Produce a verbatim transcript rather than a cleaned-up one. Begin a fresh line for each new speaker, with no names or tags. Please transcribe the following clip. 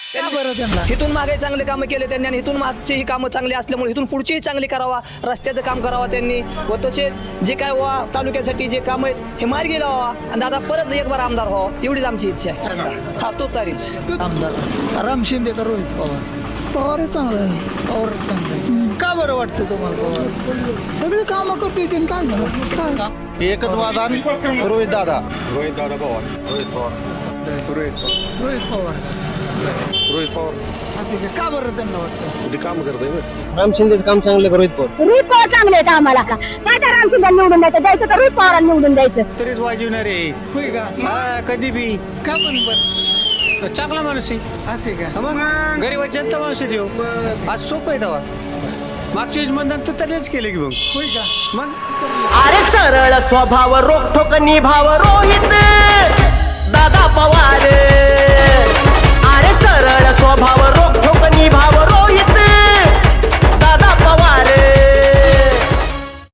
इथून मागे चांगले कामं केले त्यांनी आणि इथून मागची ही कामं चांगली असल्यामुळे इथून पुढचीही चांगली करावा, रस्त्याचं काम करावा त्यांनी व तसेच जे काय वा तालुक्यासाठी जे काम आहेत हे मार्गी लावा आणि दादा परत एक बार आमदार व्हावं एवढीच आमची इच्छा आहे. हा तो तारीच
आमदार राम शिंदे का रोहित पवार?
पवार चांगला आहे.
पवार चांगलं आहे. का बरं वाटतं तुम्हाला पवार?
सगळे कामं करतो येते काय झालं काय
एकच वादन रोहित दादा
रोहित पवार
रोहित पवार
असं का? का बरं त्यांना वाटतं?
ते काम करतोय
राम शिंदेचं काम चांगलं का रोहित पवार?
रोहित पवार चांगले आहेत आम्हाला काय तर राम शिंदे निवडून द्यायचं द्यायचं तर रोहित पवारांना निवडून द्यायचं.
तरीच वाजवणार आहे
होय का?
हा, कधी बी
का पण बरं
चांगला माणूस आहे.
असे का?
मग गरीबाची जनता माणूस आहे तो. आज सोपं आहे तेव्हा मागच्या वेळेस मतदान तू तरीच केलं की मग
होय का?
मग
अरे सरळ स्वभाव रोखोक निभाव रोहित दादा पवार